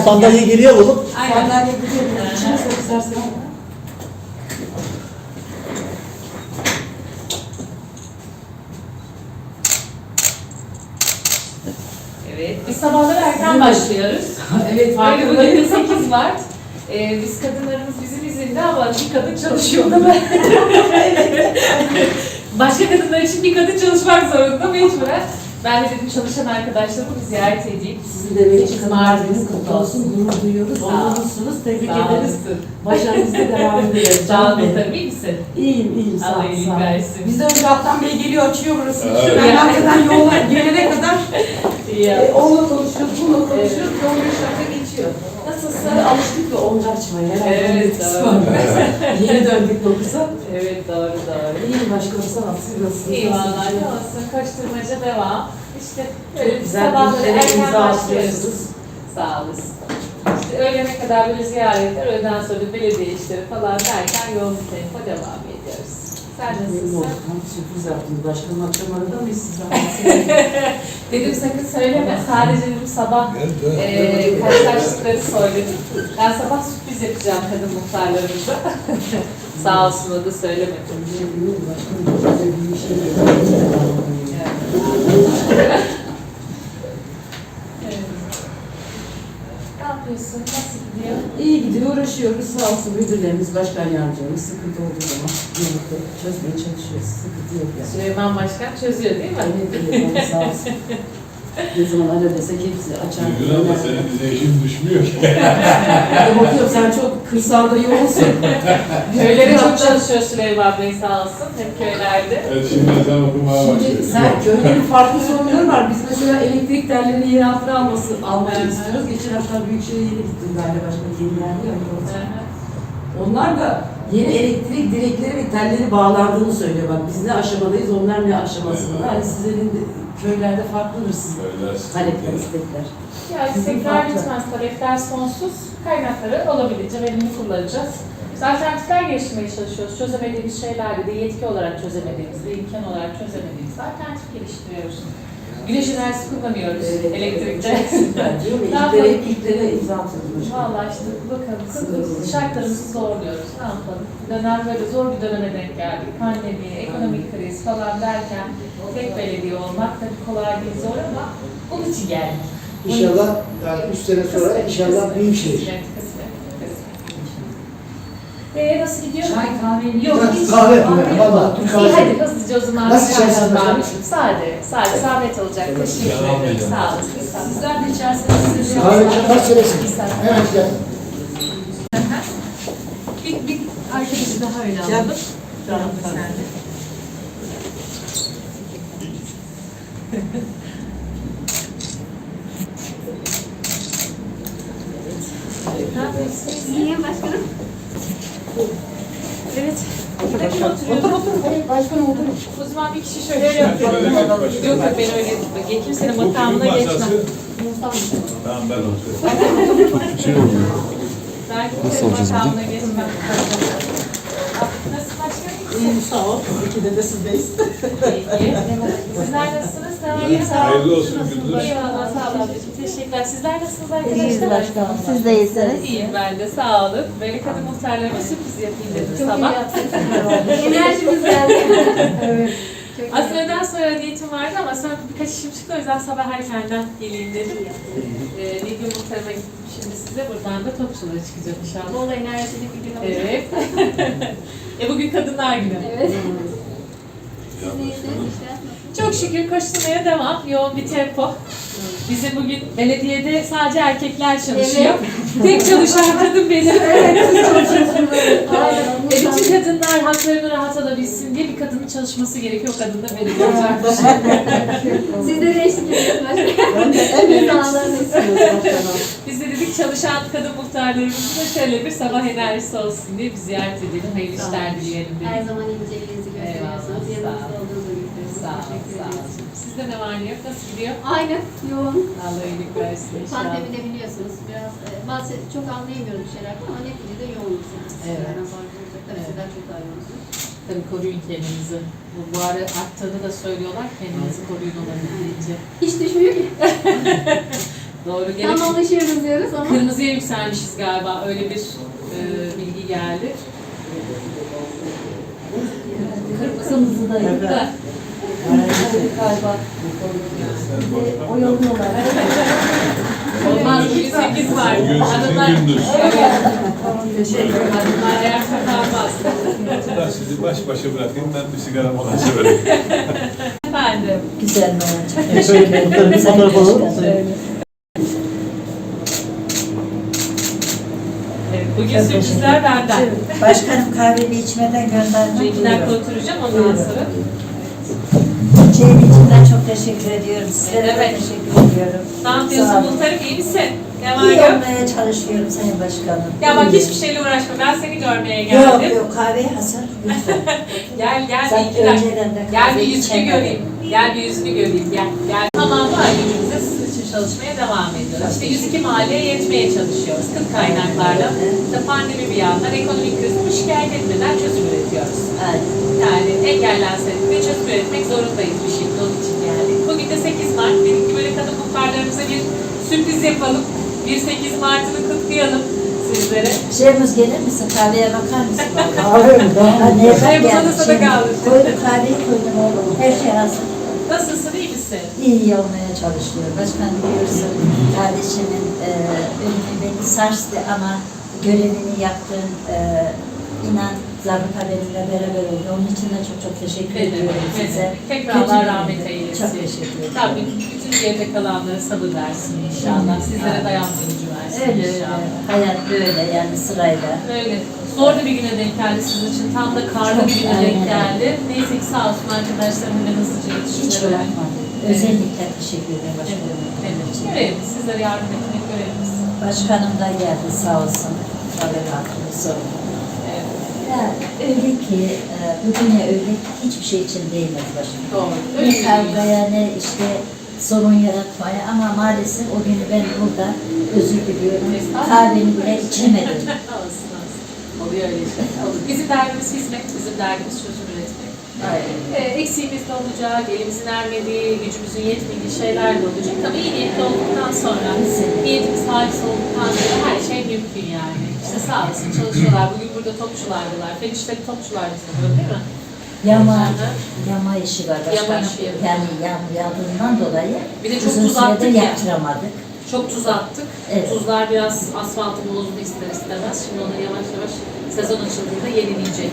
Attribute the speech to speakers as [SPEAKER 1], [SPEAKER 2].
[SPEAKER 1] sandalye geriye alalım.
[SPEAKER 2] Sandalye gidiyor. İçine sok istersen.
[SPEAKER 3] Evet, biz sabahları erken başlıyoruz.
[SPEAKER 2] Evet,
[SPEAKER 3] Böyle bugün de 8 Mart. Biz kadınlarımız bizim izinde ama bir kadın çalışıyor da ben. Başka kadınlar için bir kadın çalışmak zorunda mecburen. Ben de dedim çalışan arkadaşlarımı bir ziyaret edeyim.
[SPEAKER 2] Sizin de belki kadınlarınız kutlu olsun, gurur duyuyoruz. Onurlusunuz, tebrik ederiz. Başarınızda devam ederiz.
[SPEAKER 3] Sağ olun, tabii misin?
[SPEAKER 2] İyiyim, sağ
[SPEAKER 3] Allah
[SPEAKER 2] ol.
[SPEAKER 3] iyilik versin.
[SPEAKER 2] Biz de önce Altan Bey geliyor, açıyor burası.
[SPEAKER 4] Evet.
[SPEAKER 2] Ben hakikaten yola gelene kadar
[SPEAKER 3] İyi.
[SPEAKER 2] onunla konuşuyoruz, bununla konuşuyoruz. 15 dakika geçiyor.
[SPEAKER 3] Nasılsın?
[SPEAKER 2] Alıştık ve onca açmaya.
[SPEAKER 3] Evet, doğru.
[SPEAKER 2] Yeni döndük 9'a.
[SPEAKER 3] Evet, doğru.
[SPEAKER 2] İyiyim başkanım, sağ ol. Siz nasılsınız?
[SPEAKER 3] İyi vallahi, ne olsun, koşturmaca devam. İşte böyle
[SPEAKER 2] Çok güzel
[SPEAKER 3] sabahları
[SPEAKER 2] bir
[SPEAKER 3] erken
[SPEAKER 2] imza
[SPEAKER 3] başlıyoruz.
[SPEAKER 2] atıyorsunuz.
[SPEAKER 3] Sağ olasın. İşte öğlene kadar böyle ziyaretler, öğleden sonra belediye işleri falan derken yoğun bir tempo devam ediyoruz. Sen nasılsın?
[SPEAKER 2] Tam sürpriz yaptınız. Başkanım akşam arada mıyız siz?
[SPEAKER 3] Dedim sakın söyleme, sadece dedim sabah karşılaştıkları söyledim. Ben sabah sürpriz yapacağım kadın muhtarlarımıza. Sağ olsun, o da söylemedi. Ne yapıyorsun? Nasıl gidiyor?
[SPEAKER 2] İyi gidiyor, uğraşıyoruz. Sağ olsun müdürlerimiz, başkan yardımcılarımız sıkıntı olduğu zaman birlikte çözmeye çalışıyoruz. Sıkıntı yok yani.
[SPEAKER 3] Süleyman Başkan çözüyor değil mi?
[SPEAKER 2] Evet, sağ olsun. Ne zaman alo desek hepsi açar.
[SPEAKER 4] Gülgün abla senin bize işin düşmüyor ki.
[SPEAKER 2] Bakıyorum sen çok kırsalda yoğunsun.
[SPEAKER 3] Köylere çok çalışıyor Süleyman Bey sağ olsun. Hep köylerde.
[SPEAKER 4] Evet şimdi sen okumaya
[SPEAKER 2] Şimdi
[SPEAKER 4] başladın.
[SPEAKER 2] sen köylerin farklı sorunları var. Biz mesela elektrik tellerini yeni altına almayı istiyoruz. Geçen hafta Büyükşehir'e yeni gittim galiba başka yeni geldi ya. Onlar da yeni elektrik direkleri ve telleri bağlandığını söylüyor. Bak biz ne aşamadayız, onlar ne aşamasında. Hani sizlerin de köylerde farklıdır sizin talepler, istekler.
[SPEAKER 3] Ya istekler bitmez, talepler sonsuz. Kaynakları olabildiğince verimli kullanacağız. Biz alternatifler geliştirmeye çalışıyoruz. Çözemediğimiz şeylerde de yetki olarak çözemediğimiz, de imkan olarak çözemediğimiz alternatif geliştiriyoruz. Güneş enerjisi kullanıyoruz elektrikte.
[SPEAKER 2] Süper diyor ve ilklere imza atıyoruz.
[SPEAKER 3] Valla işte bakalım şartlarımızı zorluyoruz. Ne yapalım? Dönem böyle zor bir döneme denk geldik. Pandemi, ekonomik kriz falan derken tek belediye olmak tabii kolay değil, zor ama bunun için geldik.
[SPEAKER 1] İnşallah yani 3 sene sonra inşallah büyük şehir.
[SPEAKER 3] Kısmet. Nasıl gidiyor?
[SPEAKER 2] Çay, kahve,
[SPEAKER 3] Yok, hiç.
[SPEAKER 1] Kahve, valla Türk
[SPEAKER 3] İyi
[SPEAKER 1] kahvesi.
[SPEAKER 3] hadi hızlıca o zaman.
[SPEAKER 1] Nasıl içersiniz başkanım?
[SPEAKER 3] Sade, zahmet olacak. Teşekkür ederim. Sağ olun.
[SPEAKER 2] Sizler de içerseniz size
[SPEAKER 1] Kahve kaç senesin? Hemen gel.
[SPEAKER 3] Bir arkadaşı daha öyle alalım. Tamam, sen de. Ne yapıyorsunuz?
[SPEAKER 5] İyiyim başkanım.
[SPEAKER 3] Evet. Buradaki oturuyoruz.
[SPEAKER 2] Otur. Başkanım oturun.
[SPEAKER 3] O zaman bir kişi şöyle yapalım. Yok ben öyle tutma. Kimsenin makamına geçmem.
[SPEAKER 4] Tamam ben oturuyorum.
[SPEAKER 3] Ben kimsenin makamına geçmem. Nasıl başkanım?
[SPEAKER 2] İyiyim sağ ol. İkide de sizdeyiz.
[SPEAKER 3] İyi. Sizler nasılsınız? Tamam.
[SPEAKER 5] İyi, sağ olun.
[SPEAKER 4] Hayırlı olsun Gündüz.
[SPEAKER 3] Eyvallah, sağ olun ablacığım. Teşekkürler. Sizler nasılsınız arkadaşlar?
[SPEAKER 5] İyiyiz başkanım. Siz de iyisiniz.
[SPEAKER 3] İyiyim ben de, sağ olun. Böyle kadın muhtarlarıma sürpriz yapayım dedim
[SPEAKER 5] Çok iyi
[SPEAKER 3] sabah.
[SPEAKER 5] yaptınız. Enerjimiz geldi.
[SPEAKER 2] Evet.
[SPEAKER 3] Aslında öğleden sonra niyetim vardı ama sonra birkaç işim çıktı, o yüzden sabah erkenden geleyim dedim. Nilgün muhtarıma gittim şimdi size, buradan da Topçulara çıkacağım inşallah.
[SPEAKER 5] Bol enerjili bir gün olacak.
[SPEAKER 3] Evet. Bugün Kadınlar Günü.
[SPEAKER 5] Evet. Siz de iyisiniz işte.
[SPEAKER 3] Çok şükür koşturmaya devam, yoğun bir tempo. Bizim bugün belediyede sadece erkekler çalışıyor. Tek çalışan kadın benim.
[SPEAKER 5] Evet, siz çalışıyorsunuz. Aynen.
[SPEAKER 3] Bütün kadınlar haklarını rahat alabilsin diye bir kadının çalışması gerekiyor. O kadın da benim olacak.
[SPEAKER 5] Siz de eşlik ediyorsunuz başkanım.
[SPEAKER 2] Ben de en büyük istiyoruz başkanım.
[SPEAKER 3] Biz de dedik çalışan kadın muhtarlarımızın da şöyle bir sabah enerjisi olsun diye bir ziyaret edelim. Hayırlı işler dileyelim
[SPEAKER 5] Her
[SPEAKER 3] dedik.
[SPEAKER 5] zaman inceliğinizi gösteriyorsunuz.
[SPEAKER 3] Eyvallah,
[SPEAKER 5] Yanınızda olduğunuzu gösteriyorsunuz.
[SPEAKER 3] Sağ olun,
[SPEAKER 5] Teşekkür
[SPEAKER 3] sağ
[SPEAKER 5] ederiz.
[SPEAKER 3] olun. Sizde ne var ne yok? Nasıl gidiyor?
[SPEAKER 5] Aynen, yoğun.
[SPEAKER 3] Allah iyilik versin inşallah.
[SPEAKER 5] Pandemide biliyorsunuz biraz bazı çok anlayamıyoruz bir şeylerden ama neticede yoğunuz yani. Sizlerden farklı olacak. Tabii sizler çok daha yoğunsunuz.
[SPEAKER 3] Tabii koruyun kendinizi. Bu ara arttığını da söylüyorlar. Kendinizi koruyun olabildiğince.
[SPEAKER 5] Hiç düşmüyor ki.
[SPEAKER 3] Doğru. Gene
[SPEAKER 5] Tam alışıyoruz diyoruz ama.
[SPEAKER 3] kırmızıya yükselmişiz galiba. Öyle bir bilgi geldi.
[SPEAKER 2] Kırmızı da yok da. Galiba. Oyalıyorlar.
[SPEAKER 3] Olmaz. 108 var.
[SPEAKER 4] Bugün
[SPEAKER 3] Hanımlar.
[SPEAKER 4] sizin gündüz.
[SPEAKER 3] Evet. Hanımlar ayakta kalmaz.
[SPEAKER 4] Ben sizi baş başa bırakayım, ben bir sigara molası vereyim.
[SPEAKER 3] Efendim.
[SPEAKER 2] Güzel mi? Çok teşekkür ederim. Bir fotoğraf alalım.
[SPEAKER 3] Evet, bugün sürprizler benden.
[SPEAKER 6] Başkanım kahveni içmeden göndermek.
[SPEAKER 3] 2 dakika oturacağım ondan sonra.
[SPEAKER 6] Çayın içinden çok teşekkür ediyorum. Sizlere de
[SPEAKER 3] Evet.
[SPEAKER 6] teşekkür ediyorum.
[SPEAKER 3] Ne yapıyorsun
[SPEAKER 6] Sağ olun.
[SPEAKER 3] Muhtarım, iyi misin? Ne var
[SPEAKER 6] İyi
[SPEAKER 3] yok?
[SPEAKER 6] olmaya çalışıyorum Sayın Başkanım.
[SPEAKER 3] Ya bak
[SPEAKER 6] İyi.
[SPEAKER 3] hiçbir şeyle uğraşma. Ben seni görmeye
[SPEAKER 6] Yok
[SPEAKER 3] geldim.
[SPEAKER 6] yok kahveyi hazır lütfen.
[SPEAKER 3] Gel bir
[SPEAKER 6] Sen
[SPEAKER 3] 2 dakika.
[SPEAKER 6] önceden de
[SPEAKER 3] Gel bir
[SPEAKER 6] kahve
[SPEAKER 3] yüzünü
[SPEAKER 6] içemedim.
[SPEAKER 3] göreyim. Gel bir yüzünü göreyim. Gel. Tamam var günümüzde sizin için çalışmaya devam ediyoruz. İşte 102 mahalleye yetmeye çalışıyoruz. Kıt kaynaklarla. İşte pandemi bir yandan ekonomik kriz bu şikayet etmeden çözüm üretiyoruz.
[SPEAKER 6] Aynen.
[SPEAKER 3] Yani engellensek de çözüm üretmek zorundayız bir şekilde onun için geldik. Bugün de 8 Mart. Dedik ki böyle kadın muhtarlarımıza bir sürpriz yapalım. 8 Mart'ını kutlayalım sizlere.
[SPEAKER 6] Şeyimiz gelir misin? Kahveye bakar mısın?
[SPEAKER 1] Kahve mi? Tamam.
[SPEAKER 6] Neye
[SPEAKER 3] Çay masada kaldı.
[SPEAKER 6] Koydum kahveyi koydum oğlum. Her şey hazır.
[SPEAKER 3] Nasılsın, iyi misin?
[SPEAKER 6] İyi olmaya çalışıyor. Başkan biliyorsun kardeşimin ölümü beni sarstı ama görevini yaptığın inan zabıta benimle beraber oldu. Onun için de çok çok teşekkür ediyorum size.
[SPEAKER 3] Tekrar
[SPEAKER 6] Kötü
[SPEAKER 3] Allah
[SPEAKER 6] bir
[SPEAKER 3] rahmet
[SPEAKER 6] gündü.
[SPEAKER 3] eylesin.
[SPEAKER 6] Çok teşekkür ederim.
[SPEAKER 3] Tabii bütün geride kalanlara sabır versin inşallah. Sizlere dayanma gücü versin
[SPEAKER 6] Öyle öyle.
[SPEAKER 3] inşallah.
[SPEAKER 6] Hayat böyle yani sırayla.
[SPEAKER 3] Öyle. Zor da bir güne denk geldi sizin için. Tam da karlı bir güne denk
[SPEAKER 6] Aynen.
[SPEAKER 3] geldi. Neyse ki sağ olsun arkadaşlarım hemen hızlıca
[SPEAKER 6] Hiç
[SPEAKER 3] yetiştiler.
[SPEAKER 6] bırakmadım. Özellikle teşekkür ederim başkanım.
[SPEAKER 3] Görevimiz. Sizlere yardım etmek görevimiz.
[SPEAKER 6] Başkanım da geldi sağ olsun. Haberatını sordu.
[SPEAKER 3] Evet.
[SPEAKER 6] Ya öyle ki bugüne öyle hiçbir şey için değmez başkanım.
[SPEAKER 3] Doğru.
[SPEAKER 6] Ne
[SPEAKER 3] Öyle bir dünya.
[SPEAKER 6] kavgaya ne işte sorun yaratmaya ama maalesef o günü ben burada özür diliyorum.
[SPEAKER 3] Estağfurullah.
[SPEAKER 6] Kahveni bile içemedim.
[SPEAKER 3] Olsun olsun. Oluyor öyle şey. Olur. Bizim derdimiz hizmet, bizim derdimiz çözüm üretmek. Eksiğimiz de olacak, elimizin ermediği, gücümüzün yetmediği şeyler de olacak. Tabii iyi niyetli olduktan sonra, niyetimiz halis olduktan sonra her şey mümkün yani. İşte sağ olsun çalışıyorlar. Bugün burada topçulardılar. Fenişleri topçulardı sanırım değil mi?
[SPEAKER 6] Yama işi var
[SPEAKER 3] Yama
[SPEAKER 6] başkanım.
[SPEAKER 3] işi yapıyor.
[SPEAKER 6] Yani yağmur yağdığından dolayı
[SPEAKER 3] Bir de çok
[SPEAKER 6] uzun
[SPEAKER 3] tuz
[SPEAKER 6] sürede
[SPEAKER 3] attık ya.
[SPEAKER 6] yaptıramadık.
[SPEAKER 3] Çok tuz attık.
[SPEAKER 6] Evet.
[SPEAKER 3] Tuzlar biraz asfaltı bozdu ister istemez. Şimdi onu yavaş yavaş sezon açıldığında yenilenecek.